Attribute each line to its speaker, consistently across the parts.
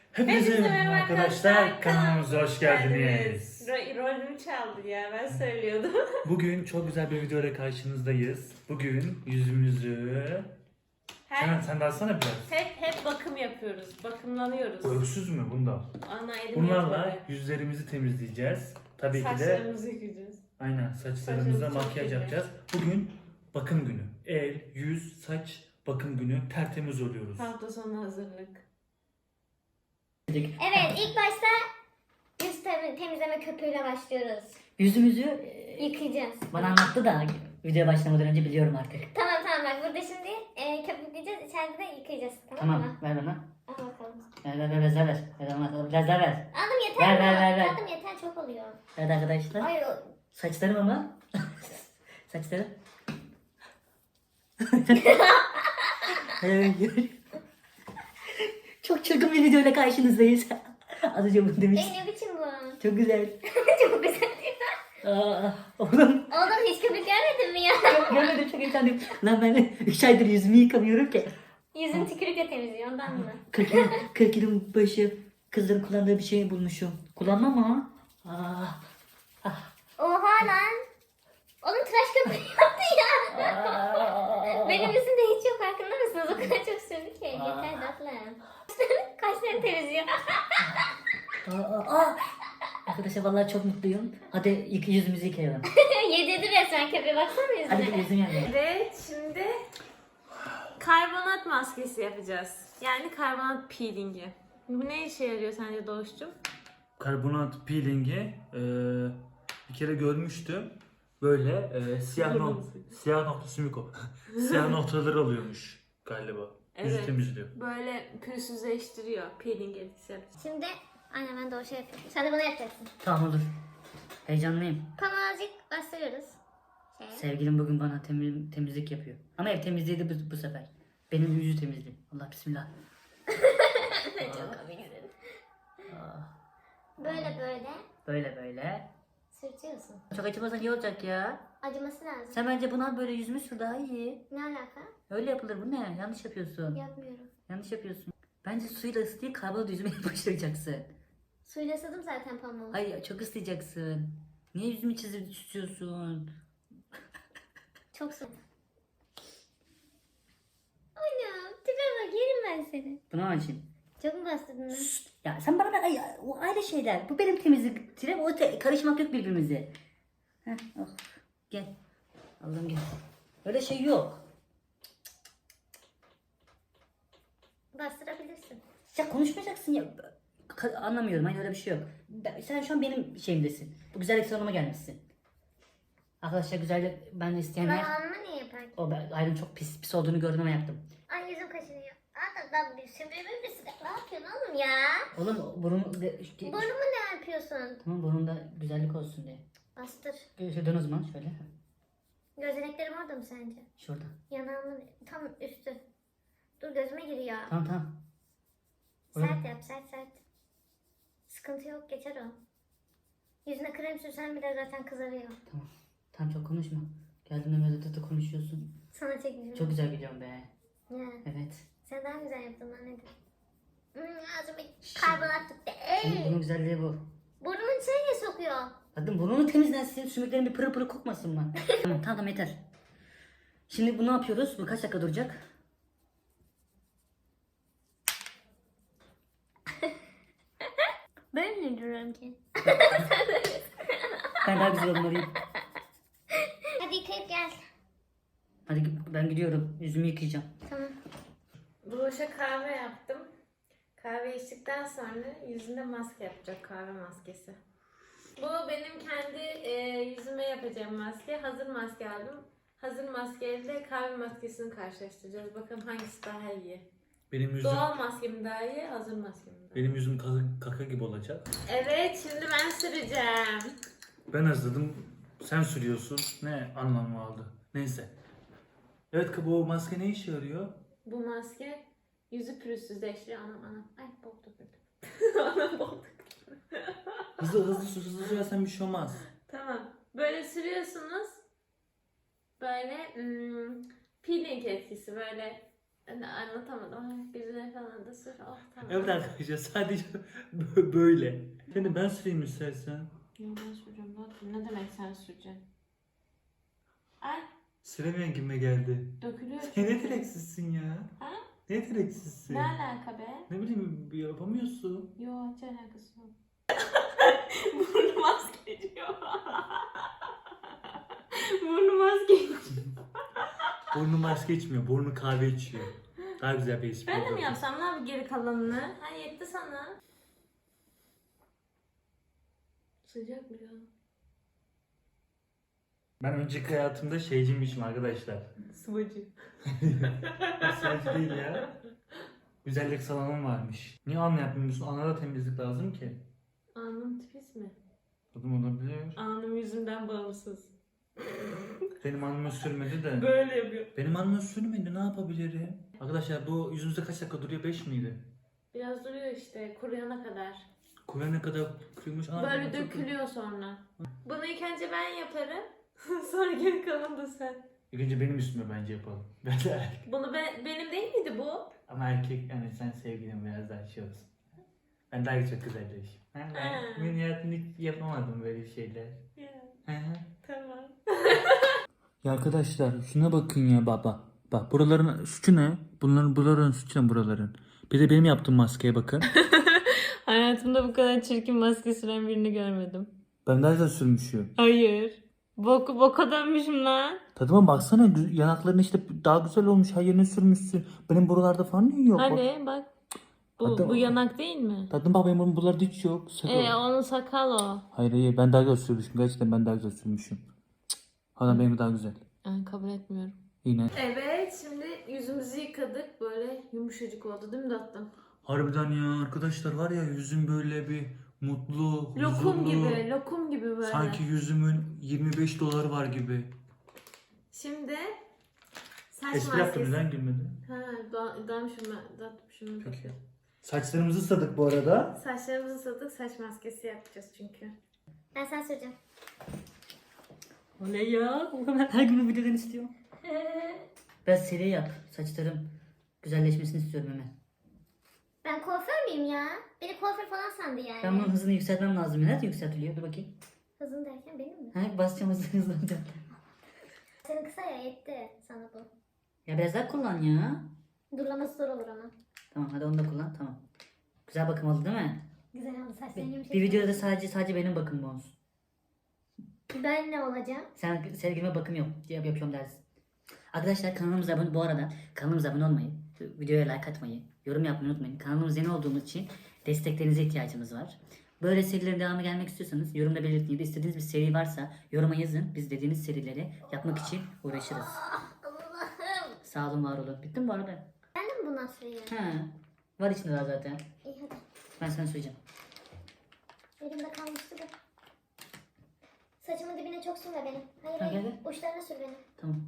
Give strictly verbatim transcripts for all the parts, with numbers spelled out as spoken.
Speaker 1: Hepinize merhaba arkadaşlar, kanalımıza hoş geldiniz.
Speaker 2: Ro- rolümü çaldı ya, ben söylüyordum.
Speaker 1: Bugün çok güzel bir videoyla karşınızdayız. Bugün yüzümüzü... Sen,
Speaker 2: Her,
Speaker 1: sen de alsana biraz.
Speaker 2: hep hep bakım yapıyoruz, bakımlanıyoruz.
Speaker 1: Bu öksüz mü bunda?
Speaker 2: Ana elim
Speaker 1: Bunlarla
Speaker 2: yetmedi.
Speaker 1: yüzlerimizi temizleyeceğiz. Tabii ki de
Speaker 2: Saçlarımızı yıkayacağız.
Speaker 1: aynen saçlarımıza
Speaker 2: Saçlarımız çok
Speaker 1: makyaj
Speaker 2: iyi.
Speaker 1: yapacağız. Bugün bakım günü. El, yüz, saç bakım günü. Tertemiz oluyoruz.
Speaker 2: Hafta sonu hazırlık.
Speaker 3: Evet, ilk başta yüz tem- temizleme köpüğüyle başlıyoruz.
Speaker 4: Yüzümüzü e,
Speaker 3: Yıkayacağız.
Speaker 4: bana anlattı da videoya başlamadan önce biliyorum artık.
Speaker 3: Tamam tamam bak burada şimdi e, köpükleyeceğiz, içeride de yıkayacağız. Tamam,
Speaker 4: Tamam,
Speaker 3: mı?
Speaker 4: ver bana.
Speaker 3: Al bakalım.
Speaker 4: Ver ver ver ver ver. Ver bana, biraz daha ver.
Speaker 3: Aldım yeter
Speaker 4: Ver,
Speaker 3: mi?
Speaker 4: ver, ver, ver.
Speaker 3: Aldım yeter, çok oluyor.
Speaker 4: Evet arkadaşlar.
Speaker 3: Ay o...
Speaker 4: Saçlarım ama. Saçlarım. Evet. Çok çılgın bir videoyla karşınızdayız. Az önce bunu demiş.
Speaker 3: Ey ne biçim bu?
Speaker 4: Çok güzel.
Speaker 3: Çok güzel.
Speaker 4: Aa, oğlum.
Speaker 3: Oğlum hiç köpük görmedin mi ya?
Speaker 4: Görmedim, çok heyecanlıyım. Lan ben üç aydır yüzümü yıkamıyorum ki.
Speaker 3: Yüzün tükürükle temizliyor ondan mı?
Speaker 4: kırk yıl, kırk yılın başı kızların kullandığı bir şey bulmuşum. Kullanmam ama. Ah, ah,
Speaker 3: Oha lan. Oğlum tıraş köpüğü yaptı ya.
Speaker 4: ah.
Speaker 3: Benim yüzümde hiç yok, farkında mısınız? O kadar çok sürdü ki. Yeter tatlım. Kaşlarını temizliyor.
Speaker 4: Aa, aa. Arkadaşlar vallahi çok mutluyum. Hadi yık, yüzümüzü yıkayalım.
Speaker 3: Yedirdi resmen köpeğe, baksana
Speaker 4: Hadi
Speaker 3: yüzüne.
Speaker 4: bir yüzüm yanıyor.
Speaker 2: Evet, şimdi karbonat maskesi yapacağız. Yani karbonat peelingi. Bu ne işe yarıyor sence Doğuş'cum?
Speaker 1: Karbonat peelingi e, bir kere görmüştüm. Böyle e, siyah, nok siyah noktası mı ko? Siyah noktaları alıyormuş galiba. Yüzü
Speaker 2: Evet.
Speaker 1: temizliyor.
Speaker 2: Böyle pürüzsüzleştiriyor, peeling etkisi yapacağız.
Speaker 3: Şimdi aynen ben de o şey yapıyorum. Sen de bunu yapacaksın.
Speaker 4: Tamam olur. Heyecanlıyım.
Speaker 3: Pamuğu azıcık bastırıyoruz. Şey.
Speaker 4: Sevgilim bugün bana temiz, temizlik yapıyor. Ama ev temizliği de bu, bu sefer. Benim yüzü temizliğim. Allah bismillah.
Speaker 3: Çok komik dedin.
Speaker 4: Aa,
Speaker 3: Böyle böyle
Speaker 4: böyle böyle.
Speaker 3: sürtüyorsun.
Speaker 4: Çok acımasa iyi olacak ya.
Speaker 3: Acıması lazım.
Speaker 4: Sen bence buna böyle yüzümü sür daha iyi.
Speaker 3: Ne alaka?
Speaker 4: Öyle yapılır bu ne? Yanlış yapıyorsun.
Speaker 3: Yapmıyorum.
Speaker 4: Yanlış yapıyorsun. Bence suyla ısıtayım karbonat yüzüme yapıştıracaksın.
Speaker 3: Suyla ısıdım zaten pamuğu.
Speaker 4: Ay çok ıslayacaksın. Niye yüzümü çizip çiziyorsun?
Speaker 3: Çok su. Anam tipe bak, yerim ben seni.
Speaker 4: Bunu açayım.
Speaker 3: Çok mu bastırdın lan?
Speaker 4: Ya sen bana ver ay, o ayrı şeyler. Bu benim temizlik tirem. O te- karışmak yok birbirimize. Heh, oh. Gel. Allah'ım gel. Öyle şey yok.
Speaker 3: Bastırabilirsin.
Speaker 4: Ya konuşmayacaksın ya. Ka- anlamıyorum. Hayır öyle bir şey yok. Ben- sen şu an benim şeyimdesin. Bu güzellik salonuma gelmişsin. Arkadaşlar güzellik ben de isteyenler.
Speaker 3: Ben alnıma niye yapar?
Speaker 4: O ben ayrım çok pis pis olduğunu gördüm ama yaptım.
Speaker 3: Ay yüzüm kaşınıyor. Aa da bir sümbürümün bir sıcak. Ne yapıyorsun oğlum ya?
Speaker 4: Oğlum burun de,
Speaker 3: Burnumu ne yapıyorsun?
Speaker 4: tamam burnunda güzellik olsun diye.
Speaker 3: Bastır.
Speaker 4: Şöyle dön o zaman şöyle.
Speaker 3: Gözeneklerim orada mı sence?
Speaker 4: Şurada.
Speaker 3: Yanağımın tam üstü. Dur gözüme giriyor.
Speaker 4: Tamam tamam.
Speaker 3: Sert yap, sert sert. Sıkıntı yok, geçer o. Yüzüne krem sürsen bile zaten kızarıyor.
Speaker 4: Tamam. Tamam çok konuşma. Geldiğinde böyle tıtı konuşuyorsun.
Speaker 3: Sana çekeceğim.
Speaker 4: Çok güzel gidiyorum be.
Speaker 3: Ya,
Speaker 4: Evet.
Speaker 3: sen daha güzel yaptın lan, nedir? Hmm, ağzıma karbonat tuttu.
Speaker 4: Bunun,
Speaker 3: Ey!
Speaker 4: bunun güzelliği bu.
Speaker 3: Burnumun içine niye sokuyor?
Speaker 4: Kadın burnunu temizlensin. Sümüklerin bir pırıl pırıl kokmasın mı? tamam tamam yeter. Şimdi bu ne yapıyoruz? Bu kaç dakika duracak?
Speaker 3: Ben ne duruyorum ki?
Speaker 4: Ben daha güzel olmalıyım.
Speaker 3: Hadi yıkayıp gel.
Speaker 4: Hadi ben gidiyorum. Yüzümü yıkayacağım.
Speaker 3: Tamam.
Speaker 2: Doğuş'a kahve yaptım. Kahve içtikten sonra yüzünde maske yapacak, kahve maskesi. Bu benim kendi e, yüzüme yapacağım maske. Hazır maske aldım. Hazır maskeyle kahve maskesini karşılaştıracağız. Bakalım hangisi daha iyi.
Speaker 1: Benim yüzüm
Speaker 2: Doğal maske mi daha iyi, hazır maske mi daha iyi?
Speaker 1: benim yüzüm kaka, kaka gibi olacak.
Speaker 2: Evet, şimdi ben süreceğim.
Speaker 1: Ben hazırladım. Sen sürüyorsun. Ne anlamı aldı? Neyse. Evet, bu maske ne işe yarıyor?
Speaker 2: Bu maske yüzü pürüzsüzleştiriyor. Anam anam. Ay bok döküldü. Anam bok döküldü.
Speaker 1: Hızlı hızlı sür, hızlı sürersen bir şey olmaz.
Speaker 2: Tamam. Böyle sürüyorsunuz. Böyle hmm, peeling etkisi, böyle Ben de anlatamadım. Yüzüne falan da sür. Oh tamam.
Speaker 1: Evet arkadaşlar sadece bö- böyle. Seni ben süreyim istersen.
Speaker 2: Yo, ben süreceğim zaten. Ne demek sen süreceksin? Ay
Speaker 1: Süremeyen kime geldi?
Speaker 2: dökülüyor.
Speaker 1: Sen ne direksizsin ya?
Speaker 2: Ha?
Speaker 1: Ne direksizsin?
Speaker 2: Ne alaka be?
Speaker 1: Ne bileyim yapamıyorsun.
Speaker 2: Yo hiç alakası yok. Burnum maske içiyor. Burnum maske içiyor.
Speaker 1: Burnu maske içmiyor, burnu kahve içiyor. Daha güzel bir espri
Speaker 2: Ben de mi
Speaker 1: olurdu.
Speaker 2: yapsam lan geri kalanını? Ha yetti sana. Sıcak mı ya?
Speaker 1: Ben önceki hayatımda şeyciymişim arkadaşlar.
Speaker 2: Sıvacı.
Speaker 1: Sadece değil ya. Güzellik salonum varmış. Niye anla yapmıyorsun? Ana da temizlik lazım ki.
Speaker 2: Alnım tipis mi?
Speaker 1: Tadım olabilir.
Speaker 2: Alnım yüzümden bağımsız.
Speaker 1: Benim alnıma sürmedi de.
Speaker 2: Böyle yapıyor.
Speaker 1: Benim alnıma sürmedi, ne yapabilirim? Arkadaşlar bu yüzümüzde kaç dakika duruyor? beş miydi?
Speaker 2: Biraz duruyor işte kuruyana kadar.
Speaker 1: Kuvvene kadar kırılmış. Aa,
Speaker 2: Böyle
Speaker 1: çok-
Speaker 2: dökülüyor sonra. Bunu ilk önce ben yaparım. Sonra geri kalanı da sen.
Speaker 1: İlk önce benim üstüme bence yapalım. Ben de erkek.
Speaker 2: Bunu ben, benim değil miydi bu?
Speaker 1: Ama erkek, yani sen sevgilin biraz daha şey olsun. Ben daha çok güzelleşim. Ben,
Speaker 2: Ha.
Speaker 1: ben benim hayatımda hiç yapamadım böyle şeyler.
Speaker 2: Ya,
Speaker 1: Hı hı.
Speaker 2: tamam.
Speaker 1: Ya arkadaşlar şuna bakın ya baba. Bak buraların suçu ne? Bunların buraların suçu ne buraların? Bir de benim yaptığım maskeye bakın.
Speaker 2: Hayatımda bu kadar çirkin maske süren birini görmedim.
Speaker 1: Ben daha güzel sürmüşüm.
Speaker 2: Hayır. Bok, boka dönmüşüm lan.
Speaker 1: Tadıma baksana gü- yanakların işte daha güzel olmuş. Her yerine sürmüşsün. Benim buralarda falan niye yok? Bak.
Speaker 2: Hani bak. Bu,
Speaker 1: Hadi-
Speaker 2: bu yanak değil mi?
Speaker 1: Tadım bak benim buralarda hiç yok. Sakal.
Speaker 2: Ee, onun sakal o.
Speaker 1: Hayır hayır ben daha güzel sürmüşüm. Gerçekten ben daha güzel sürmüşüm. Cık. Hala benim daha güzel.
Speaker 2: Ben kabul etmiyorum.
Speaker 1: Yine.
Speaker 2: Evet şimdi yüzümüzü yıkadık. Böyle yumuşacık oldu değil mi tatlım?
Speaker 1: Harbiden ya arkadaşlar var ya yüzüm böyle bir mutlu,
Speaker 2: Lokum
Speaker 1: huzurlu.
Speaker 2: gibi, lokum gibi böyle.
Speaker 1: Sanki yüzümün yirmi beş doları var gibi.
Speaker 2: Şimdi saç
Speaker 1: Espri yaptım
Speaker 2: maskesi.
Speaker 1: neden gülmedin?
Speaker 2: Ha, da, dalmışım ben. Dalmışım ben.
Speaker 1: Peki. Saçlarımızı ısladık bu arada.
Speaker 2: Saçlarımızı ısladık, saç maskesi yapacağız çünkü.
Speaker 3: Ben sana süreceğim.
Speaker 4: Oley ya. Ben her gün bu videodan istiyorum. Biraz seri yap. Saçlarım güzelleşmesini istiyorum hemen.
Speaker 3: Ben kuaför müyüm ya? Beni kuaför falan sandı yani.
Speaker 4: Ben bunun hızını yükseltmem lazım. Nerede yükseltiliyor? Dur bakayım.
Speaker 3: Hızın derken benim mi?
Speaker 4: Ha, basacağım hızlı hızlı olacak.
Speaker 3: Senin kısa ya yetti sana bu.
Speaker 4: Ya biraz daha kullan ya.
Speaker 3: Durlaması zor olur ama.
Speaker 4: Tamam hadi onu da kullan. Tamam. Güzel bakım oldu değil mi?
Speaker 3: Güzel oldu saçların
Speaker 4: Bir,
Speaker 3: yumuşak.
Speaker 4: bir videoda da sadece sadece benim bakımım olsun.
Speaker 3: Ben ne olacağım?
Speaker 4: Sen sevgilime bakım yap, yap yapıyorum dersin. Arkadaşlar kanalımıza abone bu arada kanalımıza abone olmayı, videoya like atmayı, yorum yapmayı unutmayın. Kanalımız yeni olduğumuz için desteklerinize ihtiyacımız var. Böyle serilerin devamı gelmek istiyorsanız yorumda belirtin ya da istediğiniz bir seri varsa yoruma yazın. Biz dediğiniz serileri yapmak için uğraşırız.
Speaker 3: Allah'ım.
Speaker 4: Sağ olun var olun. Bitti mi bu arada?
Speaker 3: Ben de mi bundan süreyim?
Speaker 4: Ha. Var içinde daha zaten.
Speaker 3: İyi hadi.
Speaker 4: Ben sana söyleyeceğim.
Speaker 3: Elimde kalmıştı da. Saçımın dibine çok sürme benim. Hayır
Speaker 4: Ha,
Speaker 3: hayır.
Speaker 4: gel,
Speaker 3: Uçlarına sür benim.
Speaker 4: Tamam.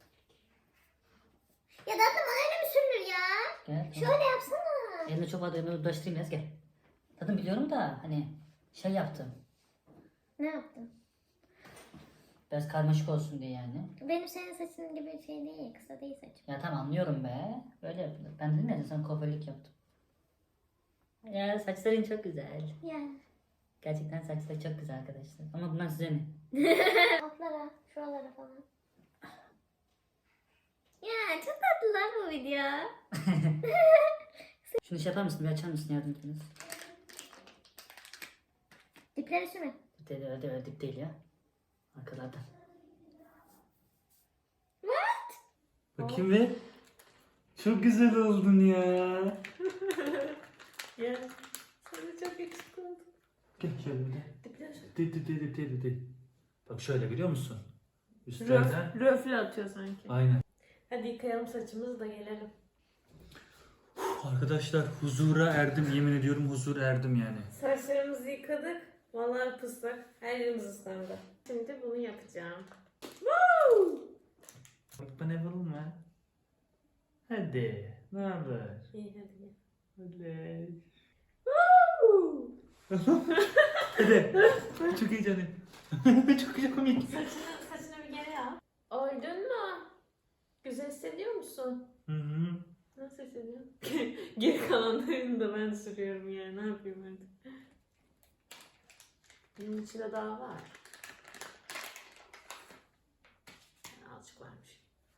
Speaker 3: Ya da bana öyle mi sürülür ya?
Speaker 4: Gel. Tamam.
Speaker 3: Şöyle yapsana.
Speaker 4: Elimde çok vardı. Elime ulaştırayım biraz gel. Zaten biliyorum da hani şey yaptım.
Speaker 3: Ne yaptın?
Speaker 4: Biraz karmaşık olsun diye yani.
Speaker 3: Benim senin saçın gibi şey değil. Kısa değil saçım.
Speaker 4: Ya tamam anlıyorum be. Böyle yapılır. Ben de ne sana kuaförlük yaptım. Ya saçların çok güzel.
Speaker 3: Ya.
Speaker 4: Gerçekten saçları çok güzel arkadaşlar. Ama bunlar size mi?
Speaker 3: Altlara, şuralara falan. Ya çok tatlı lan bu video.
Speaker 4: Şunu şey yapar mısın? Bir açar mısın? Yardım ediniz.
Speaker 3: Dipleri sürme.
Speaker 4: Dip değil, öyle, öyle dip değil ya. Arkalardan.
Speaker 1: Bakayım bir. Çok güzel oldun ya.
Speaker 2: Ya sana çok yakışıklı oldu.
Speaker 1: Gel şöyle bir de.
Speaker 2: Dipler
Speaker 1: Di di di di di di di. Bak şöyle biliyor musun? Üstlerden.
Speaker 2: Röf, röfle atıyor sanki.
Speaker 1: Aynen.
Speaker 2: Hadi yıkayalım saçımızı da gelelim.
Speaker 1: Arkadaşlar huzura erdim yemin ediyorum huzur erdim yani.
Speaker 2: Saçlarımızı yıkadık. Vallahi pıslak. Her yerimiz ıslandı. Şimdi bunu yapacağım. Woo!
Speaker 1: Bak ben yapalım mı? Hadi. Ne haber?
Speaker 2: İyi hadi gel.
Speaker 1: Hadi.
Speaker 2: Woo!
Speaker 1: Hadi. Çok heyecanlıyım. Çok komik.
Speaker 2: Saçını, saçını bir geri al. Oydun mu? Güzel hissediyor musun?
Speaker 1: Hı hı.
Speaker 2: Hı? Nasıl hissediyorsun? Geri kalanlarını da ben sürüyorum yani. Ne yapayım artık? Benim içinde daha var. Azıcık varmış.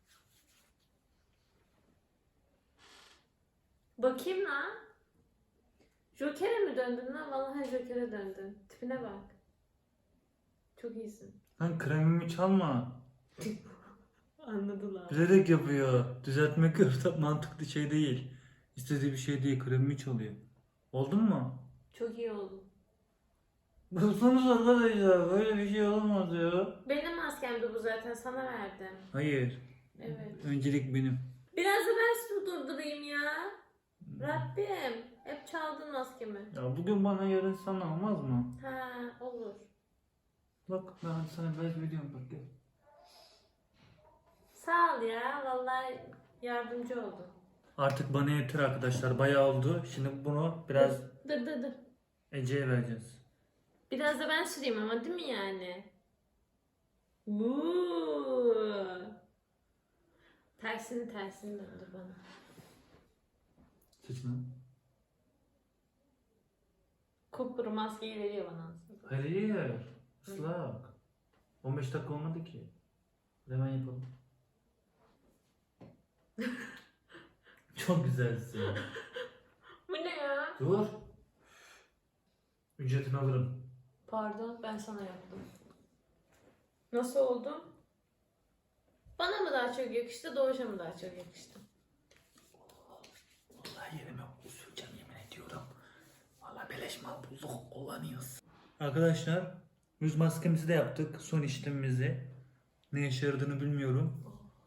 Speaker 2: Bakayım lan. Joker'e mi döndün lan? Vallahi Joker'e döndün. Tipine bak. Çok iyisin.
Speaker 1: Lan kremimi çalma.
Speaker 2: Anladılar.
Speaker 1: Bilerek yapıyor. Düzeltmek yok. Mantıklı şey değil. İstediği bir şey değil. Kremimi çalıyor. Oldu mu?
Speaker 2: Çok iyi oldu.
Speaker 1: Baksanıza arkadaşlar. Böyle bir şey olamaz ya.
Speaker 2: Benim maskemdi bu zaten. Sana verdim.
Speaker 1: Hayır.
Speaker 2: Evet.
Speaker 1: Öncelik benim.
Speaker 2: Biraz da ben su durdurayım ya. Rabbim. Hep çaldın maskemi.
Speaker 1: Ya bugün bana yarın sana olmaz mı?
Speaker 2: Ha olur.
Speaker 1: Bak ben sana bez veriyorum bak gel.
Speaker 2: Sağ ol ya. Vallahi yardımcı oldun.
Speaker 1: Artık bana yeter arkadaşlar. Bayağı oldu. Şimdi bunu biraz
Speaker 2: Dur dur dur.
Speaker 1: Ece'ye vereceğiz.
Speaker 2: Biraz da ben süreyim ama değil mi yani? Vuuu. Tersini tersini döndür bana.
Speaker 1: Saçına.
Speaker 2: Kupkuru maskeyi veriyor bana aslında.
Speaker 1: Hayır. Islak. on beş dakika olmadı ki. Hemen yapalım. Çok güzelsin.
Speaker 2: Bu ne ya?
Speaker 1: Dur. Ücretini alırım.
Speaker 2: Pardon ben sana yaptım. Nasıl oldu? Bana mı daha çok yakıştı, Doğuş'a mı daha çok yakıştı?
Speaker 1: Vallahi yerime usuleceğim yemin ediyorum. Vallahi beleş mal bulduk kullanıyoruz. Arkadaşlar yüz maskemizi de yaptık. Son işlemimizi. Ne işe yaradığını bilmiyorum.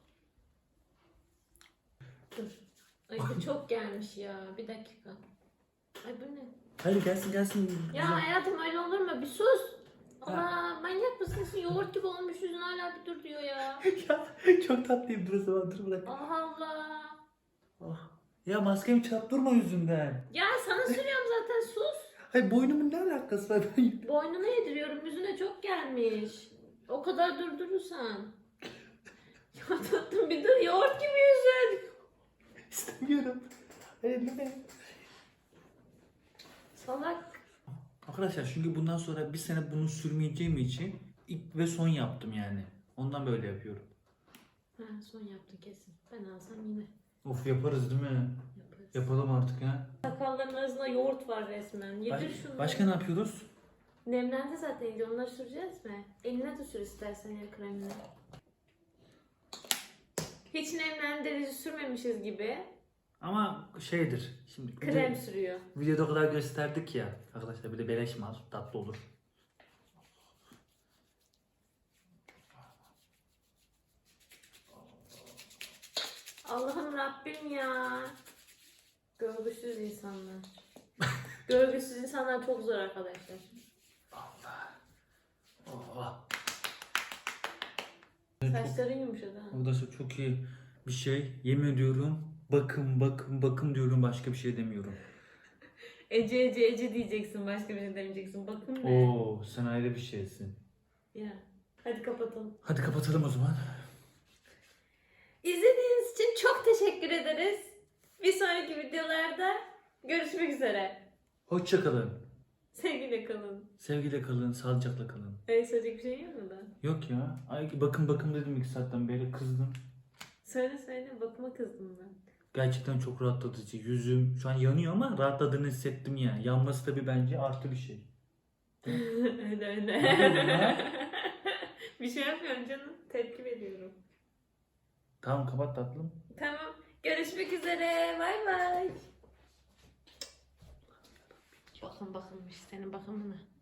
Speaker 2: Dur. Ay bu çok gelmiş ya. Bir dakika. Ay bu ne?
Speaker 1: Hadi gelsin gelsin.
Speaker 2: Ya hayatım öyle olur mu? Bir sus. Allah manyak mısın? Yoğurt gibi olmuş yüzün hala bir dur diyor ya.
Speaker 1: Ya çok tatlıyım burası bana dur bırak.
Speaker 2: Allah Allah.
Speaker 1: Ah. Ya maskemi çarptırma yüzünden.
Speaker 2: Ya sana sürüyorum zaten sus.
Speaker 1: Hayır boynumun ne alakası var? Ben...
Speaker 2: Boynuna yediriyorum yüzüne çok gelmiş. O kadar durdurursan. Ya tatlım bir dur yoğurt gibi yüzün.
Speaker 1: İstemiyorum. Hayır ne?
Speaker 2: Salak.
Speaker 1: Arkadaşlar çünkü bundan sonra bir sene bunu sürmeyeceğim için ilk ve son yaptım yani. Ondan böyle yapıyorum.
Speaker 2: Ha son yaptın kesin. Ben alsam yine
Speaker 1: Of yaparız değil mi?
Speaker 2: yaparız.
Speaker 1: Yapalım artık ha.
Speaker 2: Sakalların arasında yoğurt var resmen. Yedir
Speaker 1: Baş-
Speaker 2: şunu.
Speaker 1: başka ne yapıyoruz?
Speaker 2: Nemlendi zaten iyice. Onları süreceğiz mi? Eline de sür istersen el kremini. Hiç nemlendirici sürmemişiz gibi.
Speaker 1: Ama şeydir. Şimdi
Speaker 2: Krem
Speaker 1: video-
Speaker 2: sürüyor.
Speaker 1: videoda o kadar gösterdik ya. Arkadaşlar bir de beleş mal tatlı olur.
Speaker 2: Allah'ım Rabbim ya. Görgüsüz insanlar. Görgüsüz insanlar çok zor arkadaşlar.
Speaker 1: Allah. Oh.
Speaker 2: Saçların yumuşadı ha.
Speaker 1: Arkadaşlar çok iyi bir şey. Yemin ediyorum. Bakın bakın bakın diyorum başka bir şey demiyorum.
Speaker 2: Ece Ece Ece diyeceksin. Başka bir şey demeyeceksin. Bakın ne?
Speaker 1: Oo sen ayrı bir şeysin.
Speaker 2: Ya. Hadi kapatalım.
Speaker 1: Hadi kapatalım o zaman.
Speaker 2: İzlediğiniz için çok teşekkür ederiz. Bir sonraki videolarda görüşmek üzere.
Speaker 1: Hoşça kalın.
Speaker 2: Sevgiyle kalın.
Speaker 1: Sevgiyle kalın, sağlıcakla kalın.
Speaker 2: Öyle söyleyecek bir şey yok mu da?
Speaker 1: Yok ya. Ay bakın bakın dedim iki saatten beri kızdım.
Speaker 2: Söyle söyle bakıma kızdım ben.
Speaker 1: Gerçekten çok rahatlatıcı. Yüzüm şu an yanıyor ama rahatladığını hissettim ya. Yanması tabii bence artı bir şey.
Speaker 2: öyle öyle.
Speaker 1: Ne yapıyorsun ya?
Speaker 2: Bir şey yapmıyorum canım. Tepki veriyorum.
Speaker 1: Tamam kapat tatlım.
Speaker 2: Tamam. Görüşmek üzere. Bay bay. Bakın bakılmış senin bakımına.